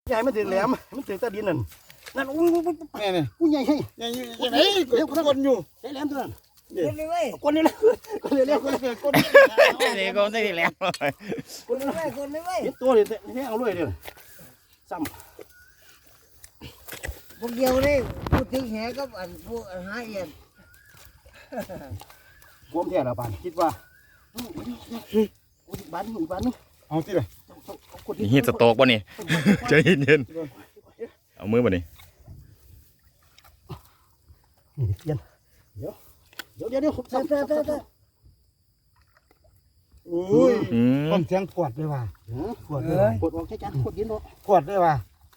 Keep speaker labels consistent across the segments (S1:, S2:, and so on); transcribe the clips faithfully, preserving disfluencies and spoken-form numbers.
S1: ใหญ่มันถึงแหลมมันถึงตะดินนั่นนั่นโอ้ยนี่นี่
S2: ผู้ใหญ่ให้ใหญ่ใหญ่เดี๋ยวคนอยู่
S1: ใช้แหลมตัวนั้น
S3: คนเลยเว้ย
S1: คนนี้แหละคนนี้แหละคนนี้คนนี้
S4: เด็กก็ได้แล้ว
S1: คนนี้
S3: เว้ยคนเลยเว้ย
S1: เห็นตัวเลยนี่เอาเลยเดี๋ยวซ้ำ
S3: พวกเดียวเลยพูดถึงแหกับอันพวกหาเอียน
S1: ความแท้ละปานคิดว่าอีกบ้านอีกบ้านนึง
S2: เอาที่เลย
S4: ฮีทสโต๊กป่ะนี่ใจเย็นๆเอามือป่ะนี่
S1: นี่เย็นเดี๋ยวเดี๋ยวเดี๋ยวเดี๋ยวซ้ำซ้ำซ้ำซ้ำ
S2: โอ้ย
S4: อืม
S2: ต้นเสียงปวดเลยว่ะปวดเลย
S1: กดออกแค่จันกดยินเนาะ
S2: ปวดเลยว่ะ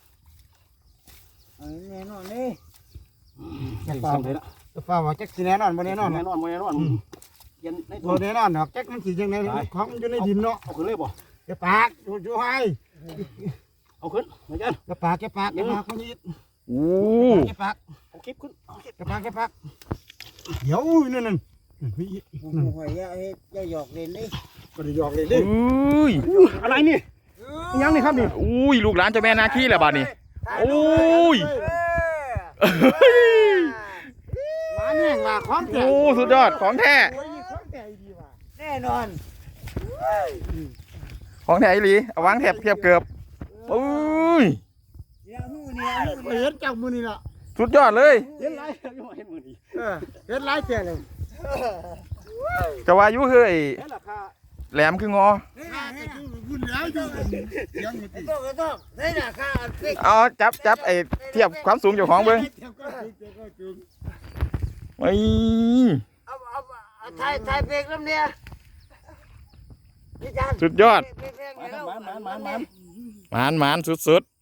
S3: อันแน่นอนนี่
S1: จะซ้ำเลยละ
S2: ฟ้าว่าแจ็คสีแน่นอนบ่แน่นอน
S1: แน่นอนแน่นอนเย็นในตั
S2: บ่
S1: ว
S2: แน่นอนดอกแจ็คมันสียังไงของอยู่ในดินเนาะ
S1: เอาขึ้นเลยบ่
S2: แกปากอยู่อยู่ให้
S1: เอาขึ้นมาจัน
S2: แกปากแกปากแกปากคนนี้
S4: โอ้
S2: แกปาก
S1: เอาคลิปขึ้นเอาคลิป
S2: แกปากแกปากเดี๋ยวนั่นนั่นมี
S3: ผมหอยยาเฮ็ดยาหยอกเล่นนี่
S2: ก็ได้หยอกเลยดิ
S4: อุ้ย
S1: อะไรนี่ยังนี่ครับนี่
S4: อุ้ยลูกหลานเจ้าแม่นาคีแหละบาดนี้โอ้ย
S2: มาแน่งว่าของแท้
S4: โอ้สุดยอดของแท้
S2: โอ้ยของแท้ดีว่ะ
S3: แน่นอน
S4: ของแท้อีหลีเอาวางแถบเทียบเกือบโอ้ย
S3: เนี่ยหูเนี่ยหู
S2: เห็นจากมือนี่ล่ะ
S4: สุดยอดเลย
S1: เห็นไรยังเห็นมือดี
S2: เออเห็นหลายแท้เลย
S4: จะว่าอยุเฮ้ย
S1: เห็นราคา
S4: แหลมคืองอ
S2: ข้าก็คือบุญแล้วอยู่เสียงมันติ
S3: ต้องก็ต้องได้ราคาฟิก
S4: เอาจับจับไอ้เทียบความสูงเจ้าของเบิ้งไอ้
S3: เอาเอาเอาถ่ายถ่ายเพลงแล้วเนี่ยพี่จัน
S4: สุดยอด
S3: เพลงเพลง
S1: มา
S3: แล้ว
S1: มามามามา
S4: หมานหมานสุดๆ